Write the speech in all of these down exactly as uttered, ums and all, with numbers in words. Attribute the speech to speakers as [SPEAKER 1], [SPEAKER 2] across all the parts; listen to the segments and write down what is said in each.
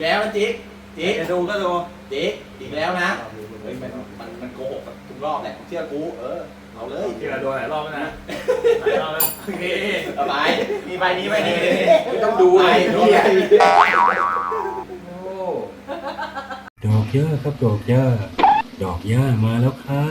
[SPEAKER 1] แล้วนะจิ๊กจิ๊ก
[SPEAKER 2] จะดูก็ดู
[SPEAKER 1] จิ๊กอีกแล้วนะเฮ้ยมันมันมันโกหกทุกรอบแหละเชื่อกูเออเอาเลย
[SPEAKER 2] ที่เราโดนหลายรอบแล้วนะหลายรอบแล้วโอเค
[SPEAKER 1] เอาไป
[SPEAKER 2] มีใบนี้ใบนี้
[SPEAKER 1] ไม่ต้องดูอะไรพี่
[SPEAKER 2] โอ้
[SPEAKER 3] ดอกย่าครับดอกย่าดอกย่ามาแล้วครับ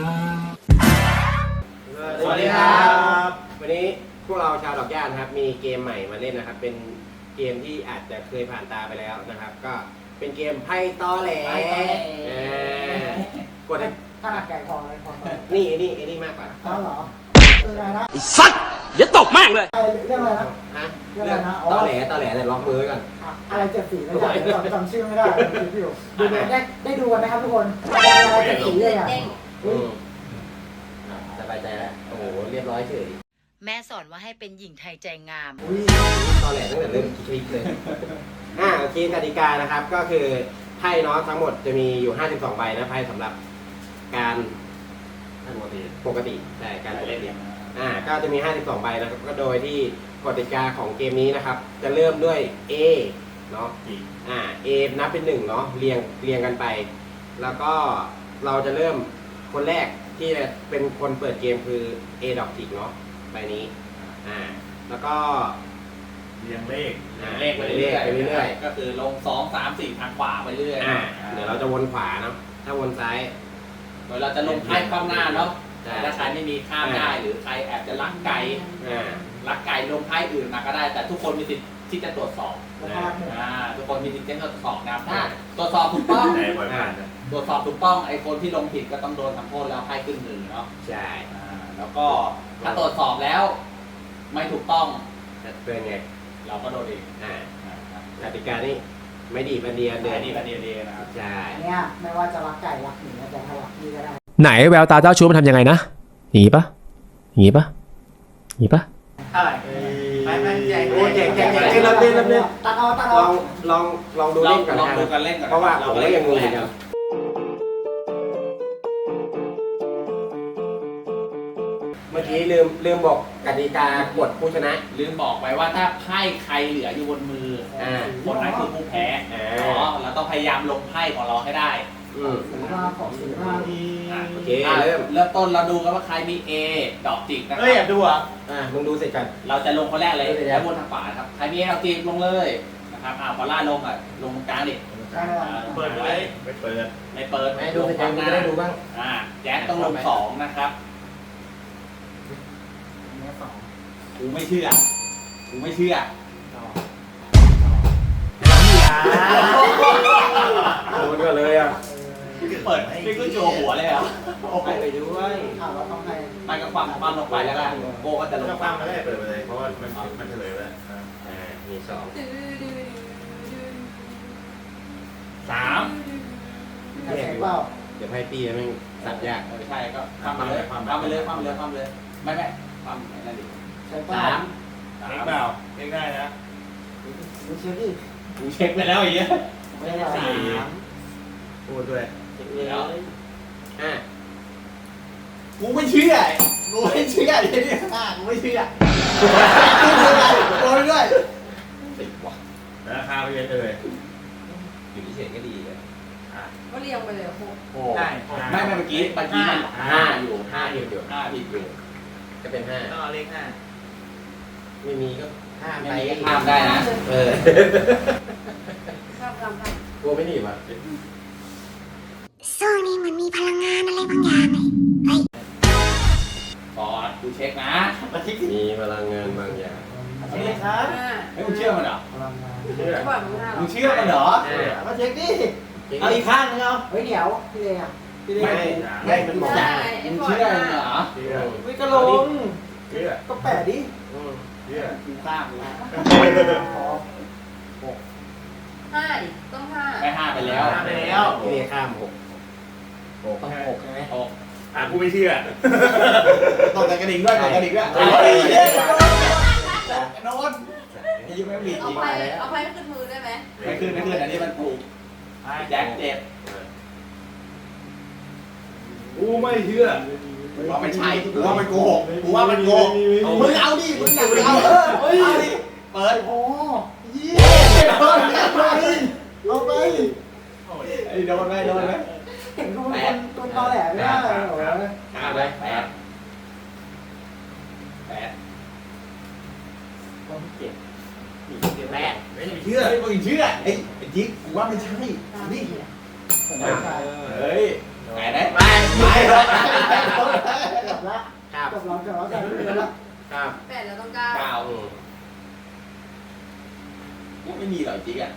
[SPEAKER 4] สวัสดีครับวันนี้พวกเราชาวดอกย่านะครับมีเกมใหม่มาเล่นนะครับเป็นเกมที่อาจจะเคยผ่านตาไปแล้วนะครับ ก็เป็นเกมไพ่ตอแหลเออกด
[SPEAKER 5] ขนาดไก่ทองเลยทอง
[SPEAKER 4] นี่ไอ้นี่ไอ้นี่มากกว่า
[SPEAKER 5] อ๋อเหรอเรื่องอะไรนะ
[SPEAKER 6] สัตว์อย่าตกแม่งเลย
[SPEAKER 5] เรื่องอะไรนะ
[SPEAKER 4] ฮะ
[SPEAKER 5] เรื่อง
[SPEAKER 4] เรื่
[SPEAKER 5] อะ
[SPEAKER 4] อง
[SPEAKER 5] ไรนะอ๋อ
[SPEAKER 4] ตอแหลตอแหลเนี่ยล็อกมือไว้ก่อน
[SPEAKER 5] อะไรเจ็ดสีไม่ได้จำจำชื่อไม่ได้คิดอยู่ดูได้ได้ดูกันไหมครับทุกคนอะไรเจ็ดสีเลยอ่ะ
[SPEAKER 4] อืมอ่ะสบายใจแล้วโอ้โหเรียบร้อยเฉย
[SPEAKER 7] แม่สอนว่าให้เป็นหญิงไทยใจงาม
[SPEAKER 4] อุ้ยตอแหลตั้งแต่เริ่มคลิปเลยอ่าโอเคกติกานะครับก็คือไพ่เนาะทั้งหมดจะมีอยู่ห้าสิบสองใบนะไพ่สำหรับการปกติปกติแต่การปกติอ่าก็จะมีห้าสิบสองใบนะครับก็โดยที่กติกาของเกมนี้นะครับ จะเริ่มด้วย A เนาะอ่า A นับเป็นหนึ่งเนาะเรียงเรียงกันไป แล้วก็เราจะเริ่มคนแรกที่เป็นคนเปิดเกมคือ A ดอกจิกเนาะใบนี้อ่าแล้วก็
[SPEAKER 2] เรียงเลข
[SPEAKER 4] อ่า
[SPEAKER 1] เลขไปเรื่อย
[SPEAKER 4] ไปเรื่อย
[SPEAKER 1] ๆก็คือลงสองสามสี่ทางขวาไปเรื่อย
[SPEAKER 4] อ่าเดี๋ยวเราจะวนขวาเนาะถ้าวนซ้าย
[SPEAKER 1] โดยเราจะลงไพ่ความหน้าเนาะ
[SPEAKER 4] ใช่
[SPEAKER 1] ถ้าใครไม่มีข้ามได้หรือใครแอบจะลักไก่
[SPEAKER 4] อ่า
[SPEAKER 1] ลักไก่ลงไพ่อื่นมาก็ได้ แต่ทุกคนมีสิทธิ์ที่จะตรวจสอบ
[SPEAKER 5] นะครับ
[SPEAKER 1] อ่าทุกคนมีสิทธิ์ที่จะตรวจสอบนะครับถ้าตรวจสอบถูกต้อง
[SPEAKER 2] ไหนบ่อยผ่านนะ
[SPEAKER 1] ตรวจสอบถูกต้องไอ้คนที่ลงผิดก็ต้องโดนทำโทษแล้วไพ่ขึ้นมือเนาะ
[SPEAKER 4] ใช่
[SPEAKER 1] อ่าแล้วก็ถ้าตรวจสอบแล้ว ไม่ถูกต้อง
[SPEAKER 4] เป็นไง
[SPEAKER 1] เราก็โดนเอง
[SPEAKER 4] อ่า
[SPEAKER 1] นะครับ
[SPEAKER 4] กติกานี่ไม่ดีบันเดียนเดือน
[SPEAKER 1] อันนี้กันเดียๆนะครับ
[SPEAKER 4] ใช่
[SPEAKER 5] อันเนี้ยไม่ว่าจะรักไก่รักหมีจะรักพี่ก็ได้
[SPEAKER 6] ไหนแววตาเจ้าชู้มันทำยังไงนะอย่างงี้ปะอย่างงี้ปะอย่างงี้ปะ
[SPEAKER 2] อะไร
[SPEAKER 4] ไม่ไม่แจกโอ้แจกแจกแจกเล่นเล่นเล่นเล่น
[SPEAKER 5] ตัดเอาตัด
[SPEAKER 4] ล
[SPEAKER 5] เอา
[SPEAKER 4] องลองลองดู
[SPEAKER 1] ลอ
[SPEAKER 4] เล่
[SPEAKER 1] ง
[SPEAKER 4] นก่อน
[SPEAKER 1] ลอง
[SPEAKER 4] นะ
[SPEAKER 1] ดูกันเล่นก่อน
[SPEAKER 4] เพราะว่าผมก็ยังงงอยู่
[SPEAKER 1] เ
[SPEAKER 4] นะเมื่อกี้ลืมลืมบอกกติกากฎผู้ชนะ
[SPEAKER 1] ลืมบอกไว้ว่าถ้าไพ่ใครเหลืออยู่บนมือ
[SPEAKER 4] อ่า
[SPEAKER 1] คนนั้นคือผู้แพ้
[SPEAKER 4] อ่า
[SPEAKER 1] อ๋อเราต้องพยายามลงไพ่ของเราให้ได้
[SPEAKER 4] อืม
[SPEAKER 5] สีมาของสีมา
[SPEAKER 1] อ่ะ
[SPEAKER 4] โอเค
[SPEAKER 1] อ่ะ
[SPEAKER 4] เริ่ม
[SPEAKER 1] เริ่มต้นเราดูกันว่าใครมี A ดอกจิกนะค
[SPEAKER 2] เอ้ยแอ
[SPEAKER 1] รั
[SPEAKER 2] บบ ดูอ่ะ
[SPEAKER 4] อ่ามึงดูเสร็จกัน
[SPEAKER 1] เราจะลงคนแรกเลย
[SPEAKER 4] เดี๋ยว
[SPEAKER 1] แล้ววนทางขวาครับใครมี A ดอกจิกลงเลยนะครับอ่าพอล่าลงอ่ะลงตรงกลางดิ
[SPEAKER 5] ได้เลย
[SPEAKER 1] อ่า
[SPEAKER 2] เปิดไปเลยไม่เปิด
[SPEAKER 1] ไม่เปิด
[SPEAKER 4] ให้ดูเสร็จกันมึงจะได้ดูบ้าง
[SPEAKER 1] อ่าแจ๊คต้องลงสองนะครับ
[SPEAKER 5] เนี้ยสอง
[SPEAKER 1] กูไม่เชื่อกูไม่เชื่อ
[SPEAKER 4] โดนก็เลยอ่ะ
[SPEAKER 1] เปิดไม่ขึ้นโชว์หัวเลยเหรอ
[SPEAKER 4] ไปไปด้วย
[SPEAKER 5] ข่าวเราต้องให้
[SPEAKER 1] มันก็ความความลงไปแล้วก็โกก็จะล
[SPEAKER 2] ก็
[SPEAKER 1] ง
[SPEAKER 2] ฟังมาได้เปิดไปเลยเพราะว่ามันมันเฉลยไปแล้ว
[SPEAKER 4] อ่ามีสอง
[SPEAKER 1] สาม
[SPEAKER 5] ใครแข่งเปล่า
[SPEAKER 4] เดี๋ยวให้ปีแม่งสับยาก
[SPEAKER 1] เออใช่ก็ความไปเลยความไปเลยความไปเลยความไปเลยไม่ไม่ความไหนนั่นดิ
[SPEAKER 5] ใช่เปล่า
[SPEAKER 1] สาม
[SPEAKER 2] เอ็กเปล่าเอ็กได้นะ
[SPEAKER 5] ดูเชื่อดิ
[SPEAKER 1] กูเช็คไปแล้วไอ้เหี้ย
[SPEAKER 5] ไม่ได้
[SPEAKER 1] สี่
[SPEAKER 2] พูดด้วย
[SPEAKER 1] เดี๋ยว
[SPEAKER 4] อ่า
[SPEAKER 1] กูไม่เชื่อกูไม่เชื่อเดี๋ยวนี้อ่ะกูไม่เชื่อโดนด้วย
[SPEAKER 4] สิบว่ะ
[SPEAKER 2] ราคาไปเยอะเลย
[SPEAKER 4] อยู่ที่เฉยก็ดีเลย
[SPEAKER 7] ก็เรียงไปเลยหก
[SPEAKER 4] โอ้
[SPEAKER 1] ได้ไม่ไม่เมื่อกี้เมื่อกี้มัน
[SPEAKER 4] ห้าอยู่ห้าอยู่อยู่
[SPEAKER 1] ห้าผิดอยู่
[SPEAKER 4] ก็เป็นห้า
[SPEAKER 2] ต้องเอาเลขห้า
[SPEAKER 4] ไม่มีก็ห้า
[SPEAKER 1] ไม่
[SPEAKER 4] ไป
[SPEAKER 1] มี
[SPEAKER 4] ก็
[SPEAKER 1] ข้ามได้นะ
[SPEAKER 4] เออ
[SPEAKER 7] ชอบคำค่ะ
[SPEAKER 4] กลัวไม่หนีบอ่ะ
[SPEAKER 8] ช่วงนี้เหมือนมีพลังงานอะไรบางอย่างเลย
[SPEAKER 1] บอสกูเช็คนะ
[SPEAKER 2] มาทิก
[SPEAKER 4] มีพลังงานบางอย่าง
[SPEAKER 2] เอาเลขครับ
[SPEAKER 7] ห้า
[SPEAKER 1] เฮ้ยมึงเชื่อมันเหรอ
[SPEAKER 5] พลังงาน
[SPEAKER 2] เชื่อ
[SPEAKER 7] จะบอกมึงห้าหร
[SPEAKER 1] มึ
[SPEAKER 7] อง
[SPEAKER 1] เชื่อมันเหรอ
[SPEAKER 5] มาเช็คดิ
[SPEAKER 2] เอาอีกข้างนึงเอา
[SPEAKER 5] เฮ้ยเดี๋ยวพี่เลยอ่ะพี่เลย
[SPEAKER 4] ไม่ไม่มันบอก
[SPEAKER 7] ใช่
[SPEAKER 1] มึ
[SPEAKER 7] ไอ้
[SPEAKER 1] ง
[SPEAKER 7] บอ
[SPEAKER 1] เชื่
[SPEAKER 7] ย
[SPEAKER 1] อ
[SPEAKER 7] ห้า
[SPEAKER 1] มันเหรอ
[SPEAKER 2] เชื่อ
[SPEAKER 5] วิกระลง
[SPEAKER 2] เชื่อ
[SPEAKER 5] ก็แปะดิ
[SPEAKER 4] อืม
[SPEAKER 2] เชื่อ
[SPEAKER 1] กูข้ามกู
[SPEAKER 5] ขอ
[SPEAKER 7] ห้าดิต้องห้า
[SPEAKER 1] ไม่ห้าไปแล้ว
[SPEAKER 2] ไปแล้ว
[SPEAKER 4] ที่นี่ข้ามหก
[SPEAKER 2] หก
[SPEAKER 5] ต้องหกใช่ไหม
[SPEAKER 1] หก
[SPEAKER 2] อ่ะกูไม่เชื่อ
[SPEAKER 1] ต้องแต่กระดิ่งด้วยต่อกระดิ่งด้วย
[SPEAKER 4] เฮ้ย
[SPEAKER 1] เฮ้ยเฮ้ยโน้ตนี่ยังไม่มีจ
[SPEAKER 7] เอา
[SPEAKER 1] ริง
[SPEAKER 7] ไปเอาไปขึ้นมือได้ไหม
[SPEAKER 1] ไม่ขึ้นไม่ขึ้นอันนี้มันถูกแจ็คเจ็บ
[SPEAKER 2] กูไม่เชื่อ
[SPEAKER 1] กูว่ามันใช่กูว่ามันโกหกกูว่ามันโกหกมึงเอาดิมึงอยากเอาเออเอาดิเปิด
[SPEAKER 5] โอ้
[SPEAKER 1] เย้เปิดเปิด
[SPEAKER 5] เอาไป
[SPEAKER 1] ไอ้โดนไหมโดนไหม
[SPEAKER 5] เห็นกูเป็นคนคนตอแหลไม่ได้เหรอ
[SPEAKER 4] ห้าเลยแปด
[SPEAKER 1] แปด
[SPEAKER 4] ต้องเจ็ดแปด
[SPEAKER 2] ไม่เชื่อ
[SPEAKER 1] เฮ้ยมึงเชื่อไอ้ไอ้จิ๊กกูว่าไม่ใช่นี่
[SPEAKER 5] ผมไม่ใช่
[SPEAKER 1] เฮ้ยแปดได้
[SPEAKER 4] ไป
[SPEAKER 1] ไม่
[SPEAKER 4] ไป
[SPEAKER 1] หรอก
[SPEAKER 5] จบละ
[SPEAKER 4] ครับ
[SPEAKER 5] จบแล้วจบแล้วจบแล้ว
[SPEAKER 4] ครับ
[SPEAKER 7] แปดแล้วต้องเก้า
[SPEAKER 1] เก้า
[SPEAKER 4] อืม
[SPEAKER 1] ยังไม่มีหรอกจิ๊กอ่ะ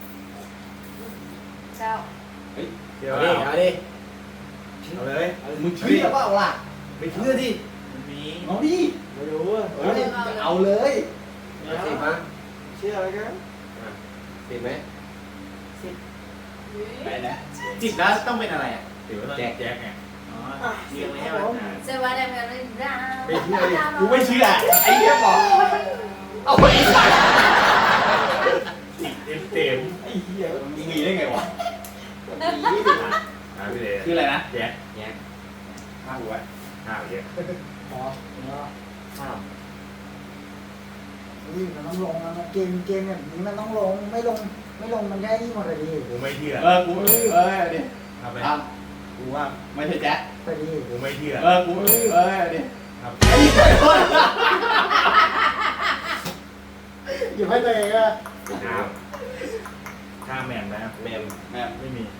[SPEAKER 7] เก้า
[SPEAKER 2] เชื่อ
[SPEAKER 4] เอา
[SPEAKER 2] เป
[SPEAKER 4] ดิ
[SPEAKER 2] ล่า
[SPEAKER 4] เอาดิ
[SPEAKER 2] เอาเลย
[SPEAKER 1] มึงเชื่อเปล่าล่ะ
[SPEAKER 2] ไม่เชื่อดิ
[SPEAKER 3] มี
[SPEAKER 1] เอาดิ
[SPEAKER 3] ไม่รู้อ่ะ
[SPEAKER 1] เฮ้ยเอาเลย
[SPEAKER 4] เอาสิบมั้ย
[SPEAKER 3] เชื่ออะไรกัน
[SPEAKER 4] สิบไหม
[SPEAKER 1] ไปนะจิ๊กแล้วต้องเป็นอะไรอ่ะ
[SPEAKER 2] ถือว่าแจ็คแจ็คไง
[SPEAKER 3] อ๋อเรียงไม่ให้มันอ่าน
[SPEAKER 7] เซวาเดมกันเลยจ้า
[SPEAKER 2] ไม่เชื่อดิ
[SPEAKER 1] กูไม่เชื่อไอ้เหี้ยบอกเอาไปอีกสัตว์
[SPEAKER 2] เต็มเต็ม
[SPEAKER 1] ไอ้เหี้ยมึงมีได้ไงวะ
[SPEAKER 2] อ่าพี่เลย
[SPEAKER 1] คืออะไรนะ
[SPEAKER 2] แจ็ค
[SPEAKER 4] แยก
[SPEAKER 1] ห้าหัว
[SPEAKER 2] ห้าเยอะ
[SPEAKER 5] พอแล้วข้ามอุ้ยมันต้องลงนะเกมเกมแบบนี้มันต้องลงไม่ลงไม่ลงมันได้ที่หมดเลยดิ
[SPEAKER 2] กูไม่เชื่อ
[SPEAKER 1] เออกูเออดิ
[SPEAKER 2] ทำไป
[SPEAKER 1] ทำกูว่าไม่ใช่แจ๊ค
[SPEAKER 5] พอดี
[SPEAKER 2] กูไม่เชื่อ
[SPEAKER 1] เออกูเออดิ
[SPEAKER 2] ทำ
[SPEAKER 1] ไอ้เหี้ยโดน
[SPEAKER 5] อยู่ให้ตัวเองอะ
[SPEAKER 2] ข้ามข้ามแมนนะ
[SPEAKER 4] แมม
[SPEAKER 1] แม่
[SPEAKER 2] ไม่มี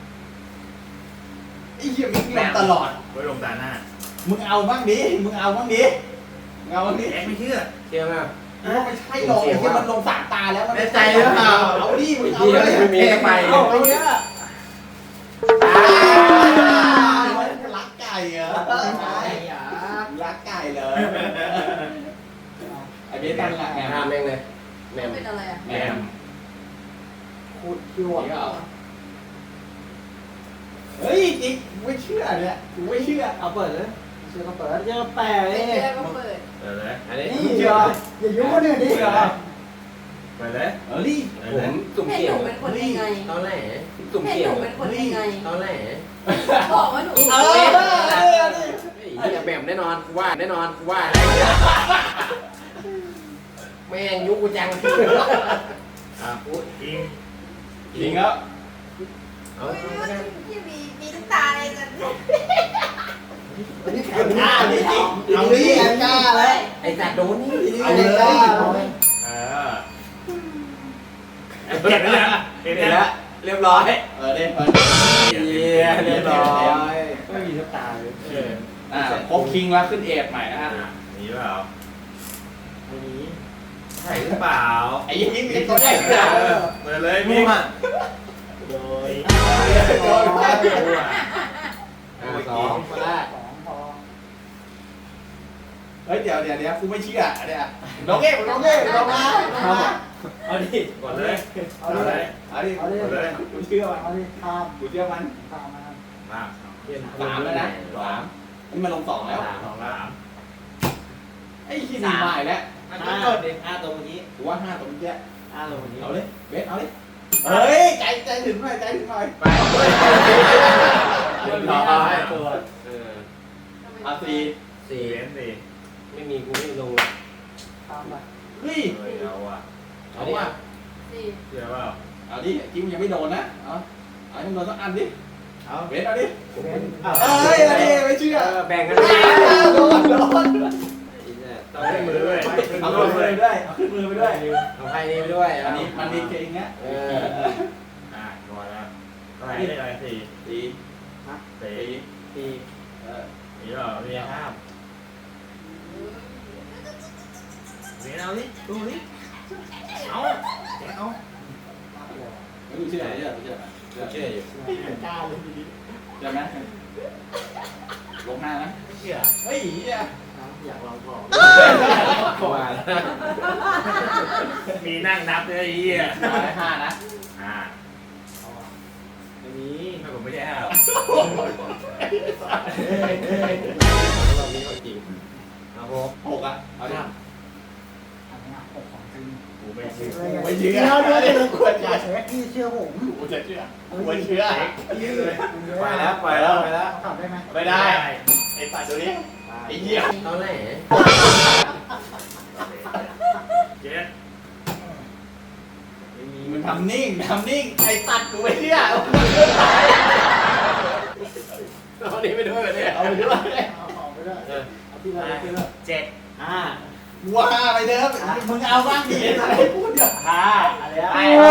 [SPEAKER 1] ไอ้เหี้ยมึงลงตลอด
[SPEAKER 2] ไว้ลงตาหน้า
[SPEAKER 1] มึงเอาบ้างดิมึงเอาบ้างดิมึงเอาบ้างดิ
[SPEAKER 2] แจ็คไม่เชื่อ
[SPEAKER 4] เชื่อไหม
[SPEAKER 1] กูว่าไม่ใช่หรอกไอ้เหี้ยมันลงสามตาแล้วมัน
[SPEAKER 2] แน่ใจหรือเปล่า
[SPEAKER 1] เอาดิมึงเอา
[SPEAKER 4] เหี้ย
[SPEAKER 1] เลย
[SPEAKER 4] ไม่มีก็ไป
[SPEAKER 1] เอาเอาเนี่ย
[SPEAKER 4] อ่า
[SPEAKER 1] รักไก่เหรอรักไก่เหรอไอ้เบสตั้งหลักไง
[SPEAKER 4] ห้ามแม่งเลยแมม
[SPEAKER 7] เป็นอะไรอ่ะ
[SPEAKER 2] แมม
[SPEAKER 5] คูดคิวอ่ะ
[SPEAKER 1] เฮ้ยจริงกูไม่เชื่อเนี่ยกูไม่เชื่อ
[SPEAKER 3] เอาเปิดเลย
[SPEAKER 5] เชื่อก็เปิดเชื่อแปะ
[SPEAKER 7] ไม่
[SPEAKER 5] เลย
[SPEAKER 7] เชื่อก็เปิด
[SPEAKER 2] เปิดเลย
[SPEAKER 4] อันนี้
[SPEAKER 5] นี่เหรออย่ายุ่งคนอื่นดิ
[SPEAKER 1] เชื่อ
[SPEAKER 2] เปิดเลย
[SPEAKER 1] เออดิ
[SPEAKER 2] เปิด
[SPEAKER 4] ผ
[SPEAKER 2] เลย
[SPEAKER 4] มสุ่ม
[SPEAKER 7] ให้
[SPEAKER 4] เสี่
[SPEAKER 7] ห
[SPEAKER 4] ยง
[SPEAKER 7] นูเป็นคนยังไง
[SPEAKER 4] ตอนแรกสุ่ม
[SPEAKER 7] ให้
[SPEAKER 4] เสี่
[SPEAKER 7] ห
[SPEAKER 4] ยง
[SPEAKER 7] นูเป็นคนยังไง
[SPEAKER 4] ตอนแรก
[SPEAKER 7] บอกว่าหนู
[SPEAKER 1] เออเออดิ
[SPEAKER 4] ไอ้เหี้ยแมมแน่นอนกูว่าแน่นอนกูว่าแม่งยุคกูจัง
[SPEAKER 2] อ่ะพูดอิง
[SPEAKER 1] จริงแล้ว
[SPEAKER 4] เอา
[SPEAKER 7] ที่มีมีน้ำตาอะไรกัน
[SPEAKER 5] อันนี้แข็ง
[SPEAKER 1] อ่าดิจริง
[SPEAKER 5] เอา
[SPEAKER 1] เอา
[SPEAKER 5] ดิ
[SPEAKER 1] ดิ
[SPEAKER 5] แข็งกล้าเลย
[SPEAKER 4] ไอ้สัตว์โดนนี่
[SPEAKER 5] เอาเลยกล้าเลย
[SPEAKER 2] เออเห็นแล้วเห็น
[SPEAKER 4] เห็น
[SPEAKER 2] แล้
[SPEAKER 4] แล้ว วเรียบร้อย
[SPEAKER 1] เออดิเออ
[SPEAKER 4] เยี่ยเรียบร้อย
[SPEAKER 3] ไม่มีสักตาเลย
[SPEAKER 2] เออ
[SPEAKER 1] อ่าครบคิงแล้วขึ้นเอทใหม่นะฮะ
[SPEAKER 2] มีเปล่า
[SPEAKER 3] ไม่มี
[SPEAKER 2] ใช่หรือเปล่า
[SPEAKER 1] ไอ้ยังนี้มีคนได้เหรอ
[SPEAKER 2] เปิดเลย
[SPEAKER 3] มุ
[SPEAKER 2] มี
[SPEAKER 3] มอ่ะ
[SPEAKER 2] โดย
[SPEAKER 1] โดนไป
[SPEAKER 4] อ่าสองคนแรก
[SPEAKER 5] สองพอ
[SPEAKER 1] เฮ้ยเดี๋ยวเดี๋ยวเดี๋ยวกูไม่เชื่อเนี่ยน้องเอ๊ะน้องเอ๊ะน้องมาน้องมา
[SPEAKER 3] เอาดิ
[SPEAKER 2] ก่อนเลย
[SPEAKER 5] เอา
[SPEAKER 2] เอา
[SPEAKER 5] เล
[SPEAKER 2] เลย ย
[SPEAKER 1] เอาดิ
[SPEAKER 5] เอาดิ
[SPEAKER 2] ก่อนเลย
[SPEAKER 1] กูเชื่อมัน
[SPEAKER 5] เอาดิทาม
[SPEAKER 1] กูเชื่อมัน
[SPEAKER 5] ทามมา
[SPEAKER 2] มา
[SPEAKER 1] สามแล้วนะสามนี่มันลงสองแล้ว
[SPEAKER 2] สองสาม
[SPEAKER 1] ไอ้ขี้หนีมาอีกแล้ว
[SPEAKER 3] มันก็เปิดดิห้าตัวเมื่อกี้
[SPEAKER 1] กูว่าห้าตรงเนี้ย
[SPEAKER 3] ห้าตัวเมื่อกี้
[SPEAKER 1] เอาเลยเบสเอาเลยเฮ้ยใจใจถึงหน่อยใจถึงหน่อย
[SPEAKER 4] ไป
[SPEAKER 3] เรียบร้อยตัว
[SPEAKER 4] เออ
[SPEAKER 1] เอาสี่
[SPEAKER 4] สี่
[SPEAKER 2] เว้นสิ
[SPEAKER 4] ไม่มีกูไม่ลง
[SPEAKER 5] ทามไป
[SPEAKER 1] เฮ้ย
[SPEAKER 2] เฮ้ยเอาอ่ะ
[SPEAKER 1] เอาว่ะ
[SPEAKER 7] สี่
[SPEAKER 2] เชื่อเปล่า
[SPEAKER 1] เอาดิจิ้มยังไม่โดนนะเอาเอาให้มันโดนสักอันดิ
[SPEAKER 3] เอา
[SPEAKER 1] เบสเอาดิ
[SPEAKER 5] เว้น
[SPEAKER 1] เอ้ยเอาดิไม่เชื่อ
[SPEAKER 4] เออแบ่งกัน
[SPEAKER 1] โดนโดน
[SPEAKER 4] ต้องให้มือด้วย
[SPEAKER 1] เอาขึ้นมือไปด้วยเอาขึ้นมือไปด้วย
[SPEAKER 4] เอาให้นี่ไปด้วย
[SPEAKER 1] อันนี้มันมีเก่งนะ
[SPEAKER 4] เออ
[SPEAKER 2] อ่ะก่อนแล้วเท่าไหร่ได้อะไรสี่
[SPEAKER 1] สี่
[SPEAKER 2] สี่
[SPEAKER 1] สี่เออ
[SPEAKER 2] มีเปล่ามีห้ามมีเอาดิดูดิเอาแกเอา
[SPEAKER 1] ไม่รู้เชื่อเชื่อเชื่อเชื่อ
[SPEAKER 4] เชื่ออยู่
[SPEAKER 5] กล้าเลยดี
[SPEAKER 1] เชื่อไหมลงหน้านะ
[SPEAKER 2] ไม่เชื่อ
[SPEAKER 1] เฮ้ยเหี้ย
[SPEAKER 3] อยากลองของ
[SPEAKER 4] ว่า
[SPEAKER 2] มีนั่งนับด้วยไอ้เหี้ย
[SPEAKER 1] เอาได้ห้านะ
[SPEAKER 2] อ่า
[SPEAKER 3] ไม่มี
[SPEAKER 2] ถ้าผมไม่ใช่ห้าหรอก
[SPEAKER 4] เรามีของจริงเอาหก
[SPEAKER 1] หกอ่ะเอาดิ
[SPEAKER 5] อันนี้หกของจริง
[SPEAKER 2] กูไม่เชื่อ
[SPEAKER 1] ไม่เชื่อ
[SPEAKER 5] เดี๋ยวเดี๋ยวเดี๋ยว
[SPEAKER 1] ควร
[SPEAKER 5] อย่าเช็คพี่เชื่อผม
[SPEAKER 1] กูจะเชื่อกูเชื่อ
[SPEAKER 4] ไปแล้วไปแล้วไปแล้ว
[SPEAKER 5] ตอบได้ไหม
[SPEAKER 1] ไม่ได้ไอ้ปัดตัวนี้ไอ้เหี้ย
[SPEAKER 4] ตอนแรก
[SPEAKER 2] เจ็ด
[SPEAKER 3] ไม่มี
[SPEAKER 1] มันทำนิ่งทำนิ่งไอ้ตัดกูไปเชื่อ
[SPEAKER 4] เอานี้ไปด้วยไปเนี่ย
[SPEAKER 1] เอาไปด้วย
[SPEAKER 5] เอาออกไปด้วยเอาที่เราไปด้วย
[SPEAKER 2] เจ็ด
[SPEAKER 1] อ่าว้าไปเดิมมึงเอาบ้างดิอะไรพูดเดี๋ยว
[SPEAKER 2] ห้าอะไร
[SPEAKER 1] ไป
[SPEAKER 2] อะ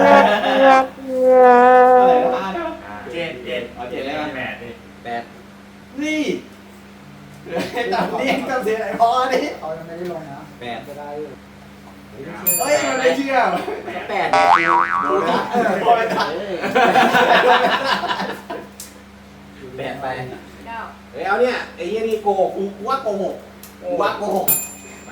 [SPEAKER 1] อะไรก็มา
[SPEAKER 2] เจ็ดเจ็ด
[SPEAKER 1] เอาเจ็ดเลยนะ
[SPEAKER 2] แปดดิ
[SPEAKER 4] แปด
[SPEAKER 1] นี่ตัดนิ่งกับเสียไอ้พอดิ
[SPEAKER 5] เขายังไม่ได้ลงนะ
[SPEAKER 4] แปด
[SPEAKER 5] จะได้
[SPEAKER 1] เฮ้ยมันไม่เชื่อ
[SPEAKER 4] แปด
[SPEAKER 1] ดูนะเออพอไปตัด
[SPEAKER 4] แปดไป
[SPEAKER 7] เก้า
[SPEAKER 4] เฮ้ยเอาเนี่ยไอ้ยี่นี่โกหก
[SPEAKER 1] กูว่าโกหกกูว่าโกหก
[SPEAKER 2] มา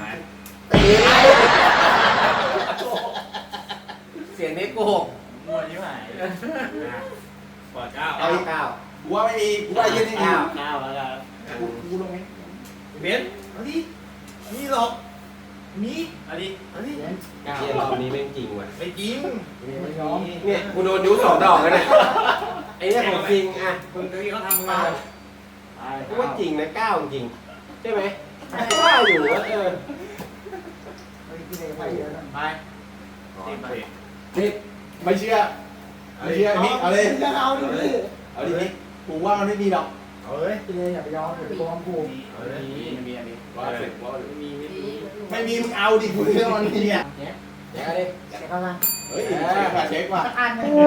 [SPEAKER 4] เสียงนี้โกหก
[SPEAKER 2] มั่วยิ่งหายปอดเก้า
[SPEAKER 4] เก้าเก้า
[SPEAKER 1] กูว่าไม่มีกูว่ายืนนี่
[SPEAKER 2] เก้าเก้าแล้วกัน
[SPEAKER 1] กูกูลงไหม
[SPEAKER 2] เบนเอาดินี่หรอกนี่เอาดิเอาดิ
[SPEAKER 5] เย็น
[SPEAKER 4] เชียรอบนี้แม่งจริงว่ะ
[SPEAKER 2] ไม่จริง
[SPEAKER 5] ไม่ยอม
[SPEAKER 4] เนี่ยกูโดนนิ้วสองดอกแล้วเนี่ยไอ้เนี่ยของจริงอ่ะ
[SPEAKER 2] คนที่เขาทำ
[SPEAKER 4] มา
[SPEAKER 2] มา
[SPEAKER 4] กูว่าจริงนะเก้าจริงใช่ไหมเก้าอยู่ว่าเออ
[SPEAKER 5] เฮ้ยพี่เลยไปเยอะนะ
[SPEAKER 2] ไปสิบไป
[SPEAKER 1] นี่ไม่เชื่อไม่เชื่อมิกเอาเลย
[SPEAKER 5] จะเอาดิพี่
[SPEAKER 1] เอาดิมิกกูว่ามันไม่มีหรอก
[SPEAKER 2] เอาเลย
[SPEAKER 5] พี่เลยอย่าไปยอมอย่าไปโกงกู
[SPEAKER 2] เอาเลยมีมีอันนี้
[SPEAKER 1] ว่าเสร็จว่า
[SPEAKER 2] มี
[SPEAKER 7] สี่
[SPEAKER 1] ไม่มีมึงเอาดิกูเรื่องมันมีอ่ะ
[SPEAKER 4] เดี๋ยวดิ
[SPEAKER 5] เช็คเข้ามา
[SPEAKER 1] เฮ้ยเช็คว่ะเช็คว่ะ
[SPEAKER 5] สักอันหนึง